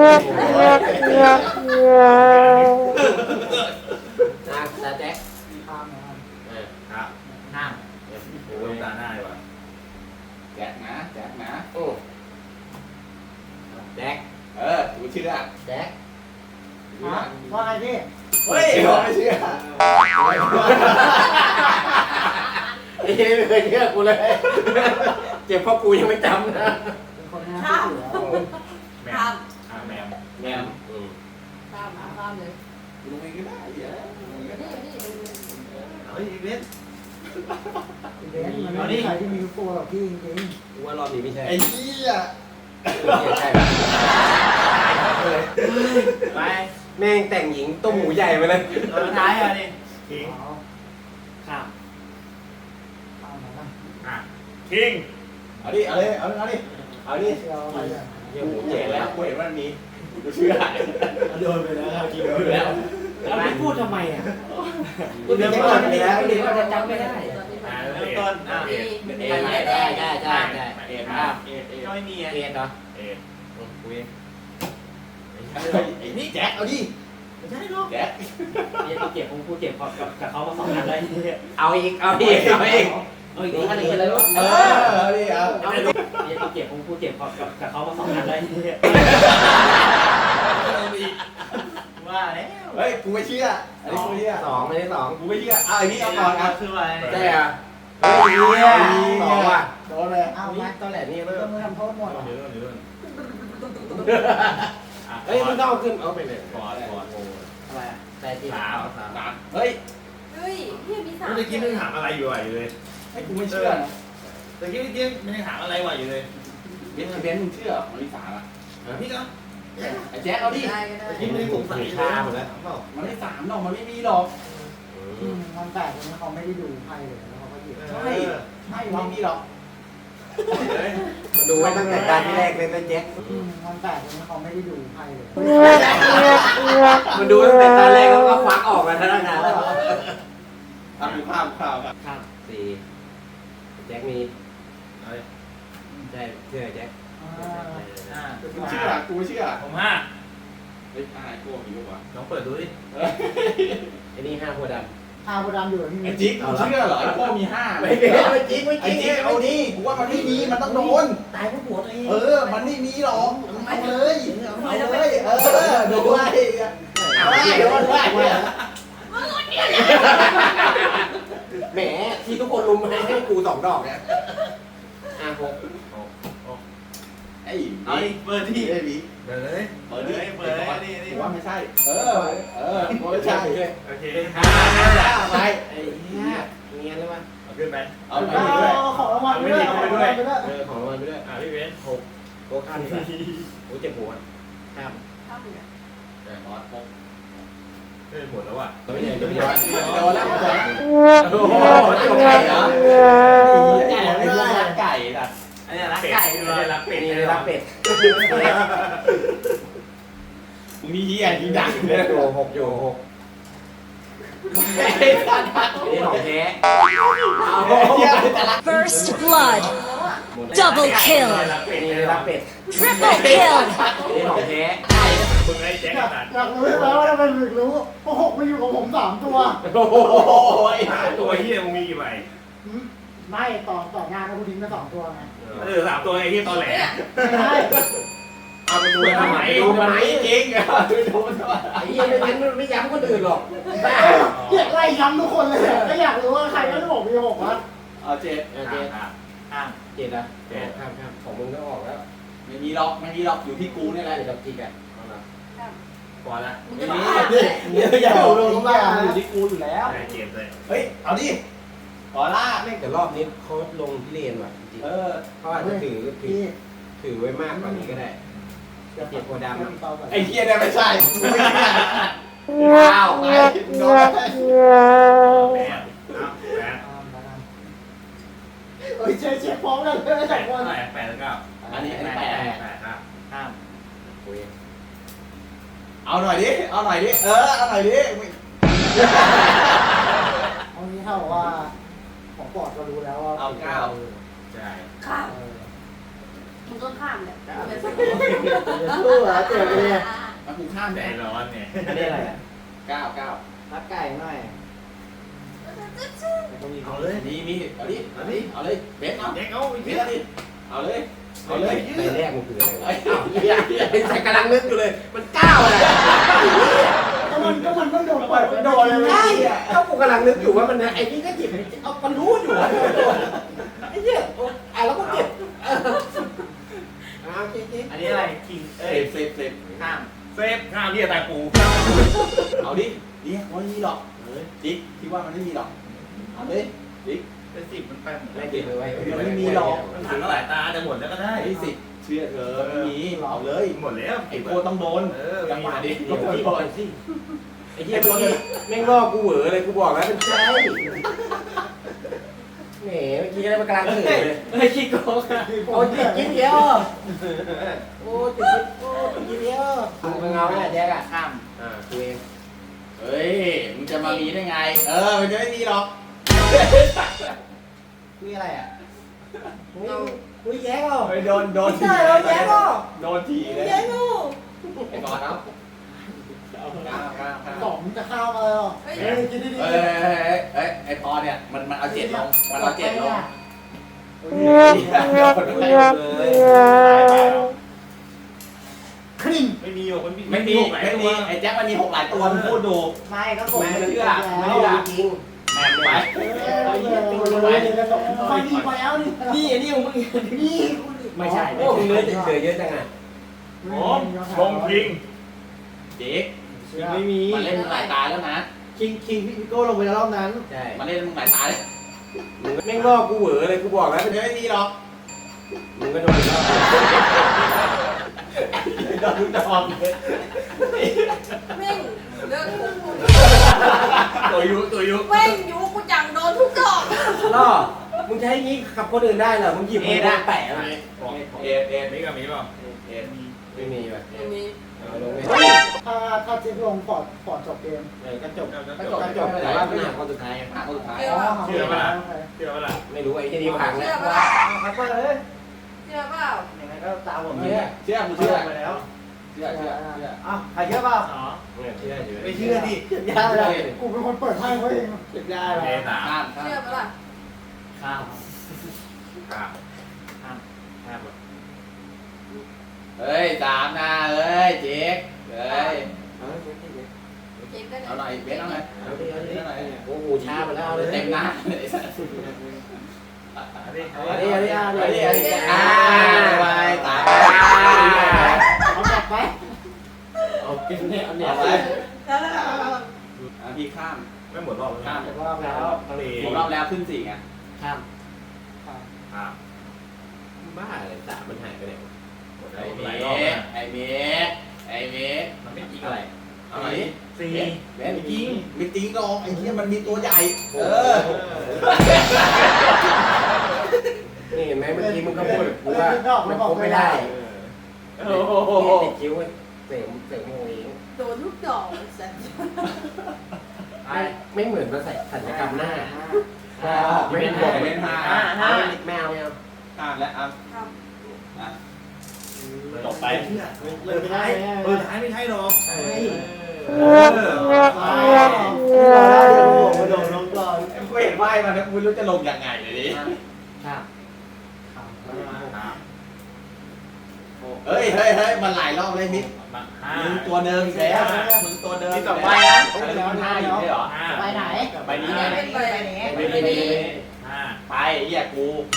[SPEAKER 4] นะตาแจ็ค
[SPEAKER 5] ข้ามนะครับ
[SPEAKER 4] เออ
[SPEAKER 2] ครับห้ามโอ้ยตาหน้าเลยว่ะ
[SPEAKER 1] แจ็คนะแจ็คนะ
[SPEAKER 4] โอ้แจ็ค
[SPEAKER 1] เออกูเชื่อ
[SPEAKER 4] แจ็ค
[SPEAKER 5] ฮะว่าไงพี่
[SPEAKER 1] เฮ้ยไม่เชื่อ
[SPEAKER 4] ไอ้เหี้ยไม่เคยเชื่อกูเลยเจ็บเพราะกูยังไม่จำนะ
[SPEAKER 5] เป็นคนน่าเชื่อถือ
[SPEAKER 2] แม
[SPEAKER 7] ข้าว ม
[SPEAKER 2] อ่าแมว
[SPEAKER 4] แมมอืม
[SPEAKER 7] ข้ามข้ามเลย
[SPEAKER 1] กูลงเองก็ได้เดี๋ยวลงเองก็ได้
[SPEAKER 7] นี่นี่ดู
[SPEAKER 2] เฮ้ยเบน
[SPEAKER 5] เบนมันไม่มีใครที่มีลูกโป่งหรอกพี่จริง
[SPEAKER 4] กูว่ารอบนี้ไม่ใช่
[SPEAKER 1] ไอ้เหี้ย
[SPEAKER 4] ใช่
[SPEAKER 2] ไป
[SPEAKER 4] แม่งแต่งหญิงต้มหมูใหญ่ไปเลย
[SPEAKER 2] ตัวท้ายอ่ะนี่
[SPEAKER 5] ๆ
[SPEAKER 2] ทิ้ง
[SPEAKER 5] เอา
[SPEAKER 2] ข้าม
[SPEAKER 5] เอาไหนบ้าง
[SPEAKER 2] อ่ะทิ้ง
[SPEAKER 1] เอาดิเอาเลยเอาเลยเอาดิ
[SPEAKER 4] เอานี่
[SPEAKER 5] เชื่อเอาไปเลย
[SPEAKER 4] เยี่ยหมู
[SPEAKER 1] เจ๋
[SPEAKER 4] เจ๋
[SPEAKER 1] ง
[SPEAKER 4] ง
[SPEAKER 1] แล้
[SPEAKER 4] แล้ว ว
[SPEAKER 1] กูเห็นว่ามันมีกูเชื่อโดนไปแล้วกินโดนไปแล้ว
[SPEAKER 2] เราไม่พูดทำไมอ่ะ
[SPEAKER 4] กูเดินก่อนไปแล้วเดี๋ยวจะจำไม่ได้
[SPEAKER 2] อ่าเริ่มต้นอ่ะ
[SPEAKER 7] สี่
[SPEAKER 4] เอ็ดได้ได้ได้ได้เอ็ด
[SPEAKER 2] อ่ะ
[SPEAKER 4] อ่ะ
[SPEAKER 2] เอ็ดก็ไม่มีอ่ะ
[SPEAKER 4] เอ็ดเหรอ
[SPEAKER 2] เอ็ด
[SPEAKER 4] กูเอง
[SPEAKER 1] ไอ้นี่แจ็คเอาดิ
[SPEAKER 2] ไม่ใช่หรอก
[SPEAKER 1] แจ็ค
[SPEAKER 2] เนี่ยกูเจ็บกูเจ็บกับกับเขามาสองอันเลย
[SPEAKER 4] เอาอีกเอาอีกเอาอีก
[SPEAKER 2] เอ้ยอันนี้อะไรวะ
[SPEAKER 1] เออเอาดิเอา
[SPEAKER 2] เอาไปเนี่ยกูเจ็บกูเจ็บกับกับเขามาสองอันเลยว่าแล้ว
[SPEAKER 1] เฮ้ยกูไม่เชื่ออันนี้กูไม่เชื่อ
[SPEAKER 4] สองไม่ได้สอง
[SPEAKER 1] กูไม่เชื่อเอาไอ้นี่เอาก่อนครับ
[SPEAKER 2] คืออะไร
[SPEAKER 4] ใช่อ่ะเฮ้ยเนี่ยสองว่ะ
[SPEAKER 1] โดนเลย
[SPEAKER 5] เอาไหม
[SPEAKER 4] ตอนแหลนี่
[SPEAKER 5] ต้
[SPEAKER 4] เริ่
[SPEAKER 5] อ
[SPEAKER 4] ม
[SPEAKER 5] งทำโทษหมดเหรอ
[SPEAKER 2] เดี๋ยวเดี๋ยว
[SPEAKER 4] เฮ้ยมึงต้องเอาขึ้นเอาไปเลย
[SPEAKER 2] ปอดปอด
[SPEAKER 5] อะไรอ่ะ
[SPEAKER 4] แต่จี
[SPEAKER 2] สาม
[SPEAKER 4] สาม
[SPEAKER 1] สามเฮ้ย
[SPEAKER 7] เฮ้ยพี่มีสาม
[SPEAKER 2] เมื่อกี้มึงถามอะไรอยู่อ่ะอยู่เลย
[SPEAKER 1] ให้กูไม่เชื่อนะ
[SPEAKER 2] แต่กี้เมื่อกี้มึงถามอะไรวะอยู่เลย
[SPEAKER 1] เบนเบนมึงเชื่อมันมีสามอ่ะ
[SPEAKER 2] พี่ก็
[SPEAKER 1] ไอ้แจ็คเอาดิ
[SPEAKER 7] ได้ก็ได้
[SPEAKER 2] ที่ไม่ได้สงสัย
[SPEAKER 4] ชาหมดแล้ว
[SPEAKER 1] มันไม่สามหรอกมันไม่มีหรอก
[SPEAKER 5] อืมมันแปลกตรงที่เขาไม่ได้ดูไพ่เลยแล้วเขาก็หยิบ
[SPEAKER 1] ใช่ไม่ไม่มีหรอก
[SPEAKER 4] มันดูไว้ตั้งแต่การที่แรกเลยนะแจ็ค
[SPEAKER 5] อืมมันแปลกตรงที่เขาไม่ได้ดูไพ่เลย
[SPEAKER 4] มันดูตั้งแต่ตอนแรกแล้วก็ควักออกมาทั้งนั้นแล้ว
[SPEAKER 1] ทำกูข้ามข้าวครับ
[SPEAKER 4] ครับสี่แจ็คมีใช่เชื่อแจ็ค
[SPEAKER 5] อ่า
[SPEAKER 2] อ่า
[SPEAKER 1] กูเชื่อกูไม่เชื่อ
[SPEAKER 2] ผมห้า
[SPEAKER 1] เฮ้ยอะไรกูมีลูกวะ
[SPEAKER 2] ลองเปิดดูดิ
[SPEAKER 4] ไอ้นี่ห้าหัวด
[SPEAKER 5] อาโบดามอยู่กับพี่
[SPEAKER 1] ไอ้
[SPEAKER 5] มิ้น
[SPEAKER 1] จิ๊กกูเชื่อเหรอไอ้โก้มีห้า
[SPEAKER 4] ำไม่จริงไม่จริงไม่จ
[SPEAKER 1] ไอ้
[SPEAKER 4] ริง
[SPEAKER 1] จิ๊กเอาดิกูว่ามันไม่มีมันต้องโดน
[SPEAKER 2] ตายเพราะผัวตัวเอง
[SPEAKER 1] เออ มันไม่มีหรอกเอาเลยเอาเลยเออโดนไว้เอาเลยโดนไว้
[SPEAKER 4] แหมที่ทุกคนรุมให้ให้กูสองดอกเนี่ยห้าหก
[SPEAKER 1] ไอ้
[SPEAKER 2] เอาดิเปิดที่
[SPEAKER 1] ไอ้บี
[SPEAKER 2] เปิดเลย
[SPEAKER 1] เปิดดิ
[SPEAKER 2] เปิดเลยนี่นี่
[SPEAKER 1] กูว่าไม่ใช่ เออ เออไม่ใช่
[SPEAKER 2] โอเค
[SPEAKER 1] ห้าไป
[SPEAKER 4] ไอ้เหี้ยเนียนเลยว่ะ
[SPEAKER 2] เอาขึ้นไป
[SPEAKER 1] เอาไป
[SPEAKER 5] เอา
[SPEAKER 1] ด้วย
[SPEAKER 5] ของรางวัลไปด้วยของรางวัลไปด้วย
[SPEAKER 4] เออของรางวัลไปด้วย
[SPEAKER 2] อ่าพี่เว้นหก
[SPEAKER 4] โต๊ะข้ามดีกว่าโอ้เจ็บหัวข้าม
[SPEAKER 7] ข้ามเลย
[SPEAKER 1] ขอพก
[SPEAKER 2] เฮ้ยหมดแล้วอ่ะ
[SPEAKER 4] ไม่ใช่
[SPEAKER 1] โด
[SPEAKER 4] ไม่
[SPEAKER 1] น
[SPEAKER 4] ใช่
[SPEAKER 1] แล้วโดนแล้ว
[SPEAKER 4] โอ้โหตกใจเหรอ
[SPEAKER 1] ไก่เหรอไอ้พวกรักไก่สัตว์
[SPEAKER 2] อันนี้รักไก่ไม่ได้รักเป็ด
[SPEAKER 4] นี่
[SPEAKER 2] นี่
[SPEAKER 4] รั
[SPEAKER 2] รั
[SPEAKER 4] ก
[SPEAKER 2] ก
[SPEAKER 4] เป็
[SPEAKER 2] เป็
[SPEAKER 4] ด
[SPEAKER 2] ด
[SPEAKER 1] มึงนี่เหี้ยยิงดังเล
[SPEAKER 4] เล่
[SPEAKER 1] ย
[SPEAKER 4] นอยู่หกอยู่หก
[SPEAKER 1] ไอ้สัตว์
[SPEAKER 4] นี่ของแท้
[SPEAKER 1] เหี้ยแต่ละ
[SPEAKER 9] First blood. Double kill.
[SPEAKER 4] นี่รับเป็ด
[SPEAKER 9] Triple kill.
[SPEAKER 4] นี่ของแท้
[SPEAKER 2] มึงไอ้แจ็ค
[SPEAKER 5] อยาก
[SPEAKER 2] ตัด
[SPEAKER 5] อยากรู้ใช่ไหมว่าทำไมถึงรู้เพราะหกมาอยู่กับผมสามตัว
[SPEAKER 4] โอ้โห
[SPEAKER 1] โอ้ย
[SPEAKER 2] ตัวเฮียมึงมีกี่ใบ
[SPEAKER 5] หืมไม่ต่อต่องานนะกูทิ้งไปสองตัวไง
[SPEAKER 2] เออสามตัวไอ้เฮียตอแหล
[SPEAKER 5] ไม่ใช่
[SPEAKER 4] เอาไปดูทำไม
[SPEAKER 1] ดูมันไหมจริงเหรอดูมันทำไม
[SPEAKER 4] ไอ้เหี้ยไม่งั้นมันไม่ย้ำคนอื่นหรอกบ้า
[SPEAKER 5] เกลียดไล่ย้ำทุกคนเลยก็อยากรู้ว่าใครก็จะบอกมีหกวะ
[SPEAKER 1] เอาเจ็ด
[SPEAKER 4] เออเจ็ด
[SPEAKER 2] อ่ะ
[SPEAKER 1] ข้าม
[SPEAKER 4] เจ็ดอะเจ็ดข้ามข้ามของมึงก็ออกแล้ว
[SPEAKER 1] ไม่มีหรอกไม่มีหรอกอยู่ที่กูนี่แหละ
[SPEAKER 4] เจ็ดกับจิกอะเอาละ
[SPEAKER 2] พอละ
[SPEAKER 7] มึง
[SPEAKER 1] ไม่
[SPEAKER 7] จะ
[SPEAKER 1] มี
[SPEAKER 7] มา
[SPEAKER 1] เดี๋ยวเดี๋ยวอย่าเอาลงมาอยู่ที่กูอยู่แล้ว
[SPEAKER 2] ไอ้เกมเลย
[SPEAKER 1] เฮ้ยเอาดิขอลาก
[SPEAKER 4] แม่งแต่รอบนี้เขาลงที่เลนว่ะจริง
[SPEAKER 1] เออ
[SPEAKER 4] ๆเขาอาจจะถือถือ
[SPEAKER 5] พี่
[SPEAKER 4] ถือไว้มากกว่านี้ก็ได้
[SPEAKER 5] เดี๋ยว
[SPEAKER 4] เจ็ดโพธิ์ดำอะ
[SPEAKER 1] ไอ้เหี้ยเนี่ยไม่ใช่กูไม่ใช่อ้าวไปโดน
[SPEAKER 2] แปดเอาแปด
[SPEAKER 5] เฮ้ยเช็คเช็คพร้อมกันเลย
[SPEAKER 2] แป
[SPEAKER 5] สอ
[SPEAKER 2] ด
[SPEAKER 5] งค
[SPEAKER 2] เท่าน ไหร่แปดแล้วก็
[SPEAKER 1] อันนี้อันนี้แปด
[SPEAKER 2] แปดครับ
[SPEAKER 1] ข้าม
[SPEAKER 4] โอ้ย
[SPEAKER 1] เอาหน่อยดิเอาหน่อยดิเออเอาหน่อยดิ
[SPEAKER 5] เอางี้เท่ากับว่าของปอดก็รู้แล้วว่า
[SPEAKER 1] เอาเก้า
[SPEAKER 2] ใช่
[SPEAKER 7] ข้าม
[SPEAKER 5] เออ
[SPEAKER 7] มึงก็ข้ามเนี่ย
[SPEAKER 5] เดี๋ยวสู้เหรอเจ็บเลย
[SPEAKER 1] มากูข้าม
[SPEAKER 2] ใจ
[SPEAKER 1] แดด
[SPEAKER 2] ร้อนเนี่ย
[SPEAKER 1] อันนี้อะไรอ่ะเก้าเก้า
[SPEAKER 5] รับไก่หน่อย
[SPEAKER 1] เอาเลยมีมีเอาดิเอาดิเอาเลยเบสเอา
[SPEAKER 2] แจ็คเอาไอ้
[SPEAKER 1] เบ
[SPEAKER 2] เฮี
[SPEAKER 1] ส
[SPEAKER 2] ย
[SPEAKER 1] เอาดิเอาเลยเอาเลย
[SPEAKER 4] ใบแรกมันคืออะไรวะ
[SPEAKER 1] ไอ้เอาเหี้ยเหี้ย
[SPEAKER 4] เป็นใส่กำลังนึกอยู่เลย มันเก้าอะไร
[SPEAKER 5] ก็มันก็มันต้องโดนเปิดโดนเลย
[SPEAKER 4] ใช่ก็กูกำลังนึกอยู่ว่ามันไอ้นี่ก็หยิบเอามันรู้อยู่ว่าไอ้เหี้ยอ่ะแล้วก็เก็บเอาเจ๊
[SPEAKER 2] อันนี้อะไรคิง
[SPEAKER 1] เซ
[SPEAKER 2] เอ้ย
[SPEAKER 1] ฟเซฟเซฟข้าม
[SPEAKER 2] เซฟข้าวเฮียตายปู
[SPEAKER 1] เอาดิดิว่าไม่มีหรอกเออดิคิดว่ามันไม่มีหรอกเอาเลยดิ
[SPEAKER 2] เป็นสิบมันไปหมด
[SPEAKER 4] ไม่เก็บไว้
[SPEAKER 1] มันไม่มีหรอก
[SPEAKER 2] มันถึงหลายตาจะหมดแล้วก็ได้
[SPEAKER 1] ไอ้สิเชื่อเธอไม่มีเอาเลย
[SPEAKER 2] หมดแล้ว
[SPEAKER 1] ไอ้โคต้องโดน
[SPEAKER 2] เออ
[SPEAKER 1] จังหวะดิ
[SPEAKER 4] เดี๋ยวพี่บอกสิไอ้เหี้ยเมื่อกี้แม่งล่อกูเหวอเลยกูบอกแล้วเป็นใช่แหมเมื่อกี้อะไรมากำลังถือเลย
[SPEAKER 1] เฮ้ยขี้โกงอะ
[SPEAKER 4] โอ้ยกินเยอะโอ้ยกินโอ้ยกินเยอะมึงเอาแน่แจ๊กอ่ะ
[SPEAKER 1] ข้าม
[SPEAKER 4] อ่ากูเอง
[SPEAKER 1] เฮ้ยมึงจะมามีได้ไง เออมันจะไม่มีหรอกนี่อะไรอ่ะ
[SPEAKER 4] อุ้ยแย่ก็
[SPEAKER 1] เฮ้ยโดนโดน
[SPEAKER 4] ใช่โดนแย่ก็
[SPEAKER 1] โดนทีเลย
[SPEAKER 4] แย่ก็
[SPEAKER 1] ไอ้บอลเนาะข้ามข้ามข้าม
[SPEAKER 5] สองจะเข้ามาเลยเหรอ
[SPEAKER 7] เฮ้ย
[SPEAKER 5] เฮ้ยคิดดี
[SPEAKER 1] เอ้ยเอ้ยเอ้ยไอ้พอเนี่ยมันมันเอาเจ็ดลงมันเอาเจ็ดลง
[SPEAKER 5] คริ่ง
[SPEAKER 2] ไม่มีหรอกมัน
[SPEAKER 1] ไม่มีไม่มีไอ้แจ็คมันมีหกหลายตัวมึงพูดดู
[SPEAKER 5] ไม่ก็ผม
[SPEAKER 1] แม่ไม่เชื่อ
[SPEAKER 4] ไม่
[SPEAKER 1] ไม่
[SPEAKER 4] ได้
[SPEAKER 1] เชื่อ
[SPEAKER 4] จริง
[SPEAKER 1] แม่งไป
[SPEAKER 5] เอาเยอะไปเลยไปดีไปแล้วนี่
[SPEAKER 1] นี่นี่ของมึง
[SPEAKER 5] นี่
[SPEAKER 1] ไม่ใช่
[SPEAKER 4] โอ้มึงเนื้อติดเสือเยอะจังอ่ะ
[SPEAKER 2] ผมชงคิง
[SPEAKER 1] เจ๊กไม่มีมันเล่นมึงหลายตาแล้วนะ
[SPEAKER 5] คิงคิงพี่โก้ลงไปแล้วรอบนั้น
[SPEAKER 4] ใช่
[SPEAKER 1] มันเล่นมึงหลายตาเลย
[SPEAKER 4] มึงแม่งล่อกูเหวอเลยกูบอกแล้ว
[SPEAKER 1] มันจะไม่มีหรอก
[SPEAKER 4] มึงก็โดนล่อ
[SPEAKER 1] โดนดอกเลย
[SPEAKER 7] แม่งเลิกกู
[SPEAKER 1] ตัวยุตัวยุ
[SPEAKER 7] แม่งอยู่กูจังโดนทุกดอก
[SPEAKER 4] ล่อมึงจะให้งี้กับคนอื่นได้เหรอมึงหยิบมือมาแปะมา
[SPEAKER 1] เอ็ดเอ็ด
[SPEAKER 2] มีกับมีเปล่า
[SPEAKER 1] เอ็ด
[SPEAKER 4] ไม่มีแบบ
[SPEAKER 7] อย่างนี้
[SPEAKER 4] เอาลงไป
[SPEAKER 5] ถ้าถ้าจิ๊บลงปอดปอดจบเกม
[SPEAKER 4] เออก็จบ
[SPEAKER 1] ก็จบก็จบแต่ว่าไม่หนักคนสุดท้ายห้าคนสุดท้าย
[SPEAKER 2] เชื่อปะล่ะเชื่อปะล่ะ
[SPEAKER 4] ไม่รู้ไอ้ที่นี่พัง
[SPEAKER 7] เชื่
[SPEAKER 4] แล้
[SPEAKER 7] อ
[SPEAKER 4] ว
[SPEAKER 7] เปล่า
[SPEAKER 5] ครับก็เลย
[SPEAKER 7] เชื่อเปล่า
[SPEAKER 5] ยังไงก็ตามผม
[SPEAKER 1] เชื่อเชื่อกูเชื่อไปแล้วเชื่อเชื่อเชื่อ
[SPEAKER 5] อ้าวใครเชื่อเปล่า
[SPEAKER 2] อ๋อ
[SPEAKER 4] เชื่ออยู่
[SPEAKER 2] ไม่เชื่อดิ
[SPEAKER 5] เก็บยาเลยกูเป็นคนเปิดให้เขาเองเก็บยา
[SPEAKER 2] โอ
[SPEAKER 5] เล
[SPEAKER 2] เค
[SPEAKER 5] ย
[SPEAKER 2] สาม
[SPEAKER 1] ข้ามข้าม
[SPEAKER 7] เชื่อเปล่า
[SPEAKER 1] ข้าม
[SPEAKER 2] ครับ
[SPEAKER 1] ข้ามเฮ้ยสามนะเฮ้ยเจ๊กเฮ้ย
[SPEAKER 7] เจ็บได้
[SPEAKER 1] เอาหน่อยเบสเอาหน่อย
[SPEAKER 4] เอาดิเอาดิ
[SPEAKER 1] เอาหน่อย
[SPEAKER 4] โอ้โหช้าไปแล้วเอาเลย
[SPEAKER 1] เต็มหน้า
[SPEAKER 2] อันนี้
[SPEAKER 4] เอาดิเอาดิเอา
[SPEAKER 1] เอา
[SPEAKER 4] ดิ
[SPEAKER 1] ดิ
[SPEAKER 4] เอา
[SPEAKER 1] เอา
[SPEAKER 4] ดิ
[SPEAKER 1] ดิอ่าไปตาย
[SPEAKER 5] เอากลับไป
[SPEAKER 4] เอากินเนี่ยเอาเนี่ย
[SPEAKER 1] เอา
[SPEAKER 4] ไป
[SPEAKER 1] ไปอ่ะพี่ข้าม
[SPEAKER 2] ไม่หมดรอบ
[SPEAKER 1] ข้าม
[SPEAKER 5] เก็บรอบแล้ว
[SPEAKER 2] ทะเล
[SPEAKER 1] ผมรอบแล้วขึ้นสี่ไง
[SPEAKER 4] ข้าม
[SPEAKER 2] ครับ
[SPEAKER 4] บ้าเลยสามมันหายไปไหน
[SPEAKER 2] หมด
[SPEAKER 1] ไอ้
[SPEAKER 2] หลาย
[SPEAKER 1] เม
[SPEAKER 2] รอบ
[SPEAKER 1] ฆ
[SPEAKER 2] นะ
[SPEAKER 1] ไอ้เมฆไอ้เมฆ
[SPEAKER 2] มันไม่จริง
[SPEAKER 1] อะไรเอาหน่อยดิ
[SPEAKER 2] สี่
[SPEAKER 1] แม่ไม่จริงไม่จริงหรอกไอ้เหี้ยมันมีตัวใหญ่ เออ
[SPEAKER 4] นี่เห็นไหมเมื่อกี้มึงก็พูดกูว่ามันคบไม่ได้
[SPEAKER 2] โอ้โห
[SPEAKER 4] ติดคิ้วเสริมเสริมโมเอง
[SPEAKER 7] โดนทุกดอกสัตว์
[SPEAKER 4] ไม่ไม่เหมือนมาใส่สัญญกรรมหน้า
[SPEAKER 1] ไม่เป็นบวกเป็นห้า
[SPEAKER 4] ไม่เอาไม่เอาไม่เอา
[SPEAKER 1] ห้าและอ่ะ
[SPEAKER 7] ครับ
[SPEAKER 1] อ่ะ
[SPEAKER 2] จบไปเปิดท้ายเปิดท้ายไม่ใช่หรอก
[SPEAKER 1] มาโดนลงก่อนกูเห็นไหวมาแล้วกูไม่รู้จะลงยังไงเลยดิ
[SPEAKER 4] ครับ
[SPEAKER 1] เฮ้ยเฮ้ยเฮ้ยมันหลายรอบเลยมิก
[SPEAKER 2] มาห้า
[SPEAKER 1] มึงตัวเดิมอีกแล้วมึงตัวเดิม
[SPEAKER 2] นี่
[SPEAKER 1] อีก
[SPEAKER 2] ต่อ
[SPEAKER 1] แล้ว
[SPEAKER 2] ไปนะ
[SPEAKER 1] เฮ้ยมันห้าอยู่ใช่เหรอ
[SPEAKER 2] ห้า
[SPEAKER 5] ไปไหน
[SPEAKER 2] ใบนี้ไง
[SPEAKER 7] เป็นไป
[SPEAKER 1] ไม่ไม่ไม่ไม่
[SPEAKER 2] ห้า
[SPEAKER 1] ไปไอ้เหี้ยกู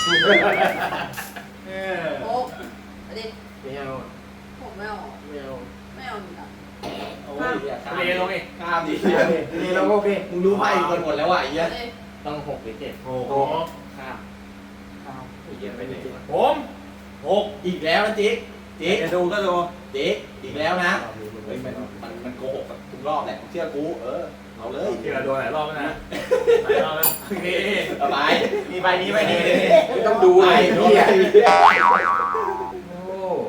[SPEAKER 7] โอ้อันนี้
[SPEAKER 4] ไม่เอา
[SPEAKER 7] ผมไม่เอา
[SPEAKER 4] ไม่เอา
[SPEAKER 7] ไม่เอาหนึ่งอ่ะ
[SPEAKER 1] โอ้ยเหี้ยข้าม
[SPEAKER 2] เลลงดิ
[SPEAKER 1] ข้ามดิ
[SPEAKER 4] นี่เราโอเค
[SPEAKER 1] มึงรู้ไพ่คนหมดแล้วว่ะไอ้เหี้ย
[SPEAKER 7] เลย
[SPEAKER 4] ต้องหกหรือเจ็ด
[SPEAKER 2] โอ้โห
[SPEAKER 1] ข้าม
[SPEAKER 4] ไอ้เหี้ยไปไหนวะ
[SPEAKER 2] ผมหก
[SPEAKER 1] อีกแล้วนะจิ๊กจิ๊ก
[SPEAKER 2] จะดูก็ดู
[SPEAKER 1] จิ๊กอีกแล้วนะเฮ้ยมันมันมันโกหกทุกรอบแหละเชื่อกูเออเอาเลย
[SPEAKER 2] ที่เราโดนหลายรอบแล้วนะหลายรอบแล้วโอเค
[SPEAKER 1] เอาไป
[SPEAKER 2] มีใบนี้ใบนี้
[SPEAKER 4] ไม่ต้องดูไอ้
[SPEAKER 1] ไอ้
[SPEAKER 4] เหี้
[SPEAKER 1] เหี้
[SPEAKER 4] ย
[SPEAKER 1] ย
[SPEAKER 4] โอ้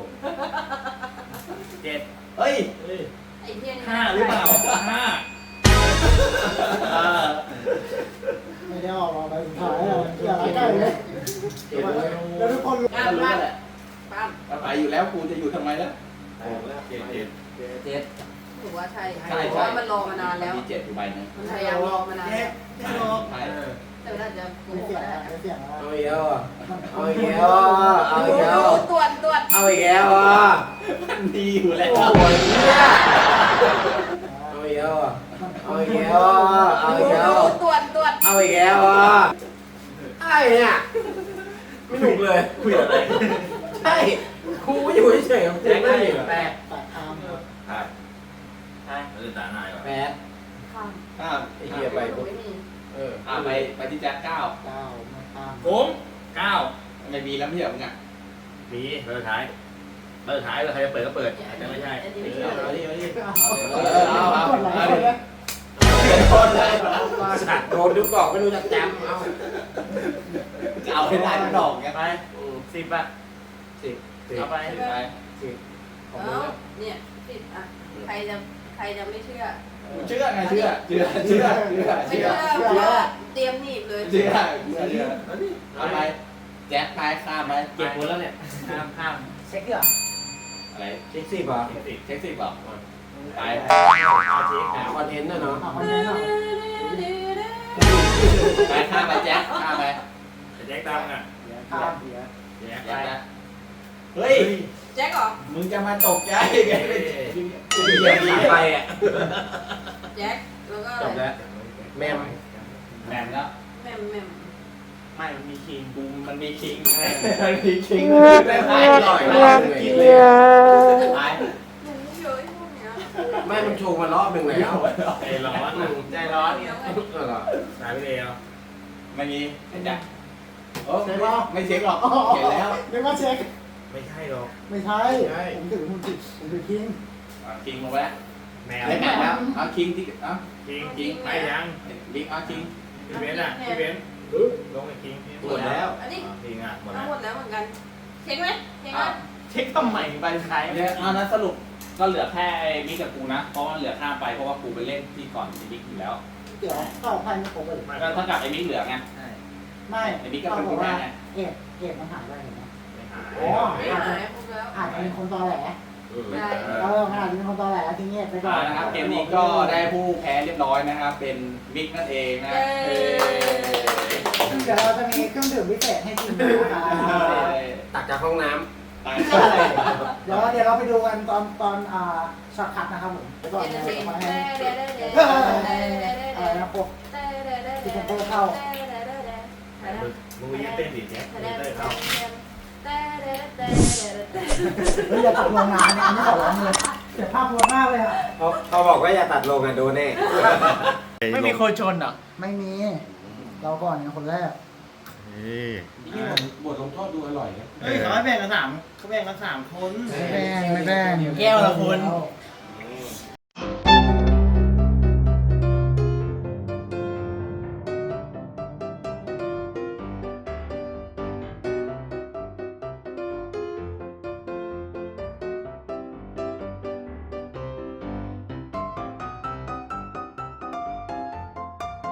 [SPEAKER 2] เจ็ด
[SPEAKER 1] เฮ้ย
[SPEAKER 7] ไอ้เพี้ยน
[SPEAKER 2] ห้าหรือเปล่าห้า
[SPEAKER 1] เออ
[SPEAKER 5] ไม่ได้ออกมาใบสุดท้ายอ่ะอย่าละใกล้เลย
[SPEAKER 4] เจ็ดเลย
[SPEAKER 5] แล้วทุกคนรู้
[SPEAKER 7] งานบ้านปั้ม
[SPEAKER 1] เอาไปอยู่แล้วกูจะอยู่ทำไมล่ะ
[SPEAKER 2] เจ็ดเจ็ด
[SPEAKER 4] เจ็ด
[SPEAKER 7] ถือว่าใช่
[SPEAKER 1] ใช่
[SPEAKER 7] เพราะ
[SPEAKER 1] ใช่
[SPEAKER 7] ว่ามันรอมานานแล้ว
[SPEAKER 1] มีเจ็ดอยู่ใบนึง
[SPEAKER 7] มันพยายามรอมานานแล้ว
[SPEAKER 1] ใช่ใช่
[SPEAKER 7] แต่มันอาจจะโก
[SPEAKER 5] ไม่
[SPEAKER 7] หก
[SPEAKER 5] เสียง
[SPEAKER 7] ได้
[SPEAKER 5] อ่ะไม่เสียงอ่ะ
[SPEAKER 4] เอาอีกแล้วอ่ะเอาอีกแล้วอ่ะเอาอีกแล้ว
[SPEAKER 7] ตรวจตรวจ
[SPEAKER 4] เอาอีกแล้วอ่ะ
[SPEAKER 1] ดีอยู่แล้ว
[SPEAKER 4] โอ้ยเนี่ยเอาอีกแล้วอ่ะเอาอีกแล้วอ่ะเอาอีกแล้ว
[SPEAKER 7] ตรวจตรวจ
[SPEAKER 4] เอาอีกแล้วอ่ะไอ้เนี่ยไม่หนุกเลย
[SPEAKER 2] คุยอะไร
[SPEAKER 4] ใช่ครูอยู่เฉยๆของกูไม่ได้แปด
[SPEAKER 5] แปดคำ
[SPEAKER 1] ครับ
[SPEAKER 2] เราจะตาหน้าก่อน
[SPEAKER 4] แปด
[SPEAKER 7] ข้าม
[SPEAKER 1] ข้าม
[SPEAKER 4] ไอ้เหี้ยไป
[SPEAKER 7] ไม่มี
[SPEAKER 4] เออ
[SPEAKER 1] อ่าไปไปที่แจ็คเก้า
[SPEAKER 5] เก้ามาข้าม
[SPEAKER 2] ผมเก้า
[SPEAKER 1] ไม่มีแล้วไม่ใช่เหรอมึงอ่ะ
[SPEAKER 2] มีเบอร์ท้ายเบอร์ท้ายเลยใครจะเปิดก็เปิดอาจจะไม่ใช่
[SPEAKER 7] อันนี้ไม่
[SPEAKER 1] เอา
[SPEAKER 7] ใช่
[SPEAKER 1] เอาดิเอาดิ
[SPEAKER 5] เออเอาเอาเอาเอา
[SPEAKER 1] คนเลย
[SPEAKER 4] สัตว์โดนดูกรอกไม่รู้จะจำเอา
[SPEAKER 1] เอาให้ได้ทุกดอกไง
[SPEAKER 2] ไปสิบอ่ะ
[SPEAKER 4] สิบสิบ
[SPEAKER 2] เอาไป
[SPEAKER 1] ไป
[SPEAKER 4] สิบของ
[SPEAKER 7] เอ้า
[SPEAKER 4] มึง
[SPEAKER 7] เนี่ยติดอ่ะใครจะใครจะไม่เชื่อ
[SPEAKER 1] เชื่อไงเชื่อเชื่อเชื่อเชื่อ
[SPEAKER 7] ไม่
[SPEAKER 1] เชื่
[SPEAKER 7] เชื่
[SPEAKER 1] อ
[SPEAKER 7] อเพราะว่าเตรียมหนีบเลย
[SPEAKER 1] เชื่อเชื่อเชื่อเอาไปแจ็คไปข้ามไป
[SPEAKER 2] เก็บหมดแล้วเนี่ยห้ามห้าม
[SPEAKER 5] เช็คดีกว่า
[SPEAKER 1] อะไร
[SPEAKER 4] เช็คสิบเหรอ
[SPEAKER 2] สิบสิบ
[SPEAKER 1] เช็คสิบบอกไป
[SPEAKER 2] เอาเช็ค
[SPEAKER 4] หาคอนเทนต์นะเนาะ
[SPEAKER 5] เอาคอนเทนต์หน่อย
[SPEAKER 1] ไปข้ามไปแจ็คข้ามไป
[SPEAKER 2] แจ็คตังอ่ะ
[SPEAKER 5] ข้าม
[SPEAKER 2] แจ็ค
[SPEAKER 1] แจ็ค
[SPEAKER 2] ไป
[SPEAKER 1] นะเฮ้ย
[SPEAKER 7] แจ็คเหรอ
[SPEAKER 1] มึงจะมาตกใจไงกู
[SPEAKER 4] เห
[SPEAKER 1] เห
[SPEAKER 4] ยี
[SPEAKER 1] ยี
[SPEAKER 4] ย
[SPEAKER 1] ย
[SPEAKER 4] บบ ห
[SPEAKER 1] ห
[SPEAKER 4] นี
[SPEAKER 1] นี
[SPEAKER 4] ไป
[SPEAKER 1] ไป
[SPEAKER 4] อ่ะ
[SPEAKER 7] แจ็คแล้วก็
[SPEAKER 4] จบแล้วแมม
[SPEAKER 1] แหม่มแล้ว
[SPEAKER 7] แม่มแม่ม
[SPEAKER 2] ไม่มันมีคิง
[SPEAKER 1] กูมันมีคิงมันมีคิง
[SPEAKER 4] ไม่ไปอร่อยมากเลย
[SPEAKER 1] กินเลยไป
[SPEAKER 7] หนูเยอะพวกเนี้ย
[SPEAKER 4] แม่มันโชว์มารอบหนึ่งแล้ว
[SPEAKER 2] ใจร้อน
[SPEAKER 1] ใจร้อน
[SPEAKER 7] เดี๋ยวไง
[SPEAKER 4] เออเหรอ
[SPEAKER 2] ตายไปเร็ว
[SPEAKER 1] ไม่มีไอ้แจ็คโอ้ไม่ไม่เช็คหรอกเห็นแล้ว
[SPEAKER 5] เรียกว่าเช็ค
[SPEAKER 2] ไม่ใช่หรอก
[SPEAKER 5] ไม่ใช่ ผมถือผมถือผมถือคิง
[SPEAKER 1] คิงลงไปแล้ว
[SPEAKER 2] แมว
[SPEAKER 1] ได้แหม่มแล้วเอาคิงที่เอา
[SPEAKER 2] คิงคิงไปยัง
[SPEAKER 1] บิ๊กเอาคิง
[SPEAKER 2] พี่เบนอ่ะพี่เบนลงไอ้คิง
[SPEAKER 1] หมดแล้ว
[SPEAKER 7] อันนี้
[SPEAKER 2] คิงอ่ะหมด
[SPEAKER 7] ทั้
[SPEAKER 2] แล้
[SPEAKER 7] ง
[SPEAKER 2] ว
[SPEAKER 7] หมดแล้วเหมือนกัน เช็คไหมเช็คไหม
[SPEAKER 2] เช็คทำไมไปใช้
[SPEAKER 1] เนี่ยเอานั้นสรุปก็เหลือแค่ไอ้บิ๊กกับกูนะ เพราะว่าเหลือข้ามไปเพราะว่ากูไปเล่นที่ก่อนไอ้บิ๊กอยู่แล้ว
[SPEAKER 5] เดี๋ยวเข้าไพ่ไม่ครบเลย
[SPEAKER 1] ก็เท่ากับไอ้บิ๊กเหลือไง
[SPEAKER 5] ไม่
[SPEAKER 1] ไอ้บิ๊กก็
[SPEAKER 5] เขา
[SPEAKER 1] เป็น
[SPEAKER 5] บอ
[SPEAKER 1] ผู้
[SPEAKER 5] ก
[SPEAKER 1] แพ้
[SPEAKER 5] ว่า
[SPEAKER 1] ไง
[SPEAKER 5] เอดเอดมันหายไปเห็นไหม
[SPEAKER 2] อ๋อ
[SPEAKER 7] ไม่หายครบแล้ว
[SPEAKER 5] อาจจะเป็นคนตอแหล
[SPEAKER 7] ได้
[SPEAKER 5] เออมันอาจจะเป็นคนตอแหลทิ้งเงียบไปก่อ
[SPEAKER 1] อ่าน นะครับเกมนี้ก็ได้ผู้แพ้เรียบร้อยนะครับ เป็นบิ๊กนั่นเองนะ
[SPEAKER 7] เย้
[SPEAKER 5] เดี๋ยวเราจะมีเครื่องดื่มพิเศษให้กินนะครับ
[SPEAKER 4] ตักจากห้องน้
[SPEAKER 1] ตาย
[SPEAKER 5] เดี๋ยวเดี๋ยวเราไปดูกันตอนตอนอ่าช็อตคัทนะครับผมเดี๋ยวก่อน
[SPEAKER 7] เดี๋ยว
[SPEAKER 5] เดี๋ยว
[SPEAKER 7] เดี๋ยว
[SPEAKER 5] มาให้
[SPEAKER 7] เดี๋ยวเดี๋ยวเดี๋ยว
[SPEAKER 5] เออ
[SPEAKER 7] เดี๋ยวเดี๋ยวเดี๋ยว
[SPEAKER 5] อะไรนะพวก
[SPEAKER 2] มึงยังเต้นดิแจ็คเต้นเข้า
[SPEAKER 5] เฮ้ยอย่าตัดลงงานเนี่ยอันนี้ขอร้องเลยเสียภาพพวมากเลยอ่ะ
[SPEAKER 4] ำเขาเขาบอกว่าอย่าตัดลงอ่ะโดนแน่
[SPEAKER 2] ไม่มีคนชนเหรอ
[SPEAKER 5] ไม่มี เราก่อนเนี่ยคนแรก
[SPEAKER 1] บทลงโทษดูอร่อยนะ
[SPEAKER 2] เฮ้ยเขาให้แบ่งกันสามเขาแบ่งกันสามคน
[SPEAKER 5] ไม่แบ่งไม่แบ่ง
[SPEAKER 2] แก้วละคน
[SPEAKER 5] แ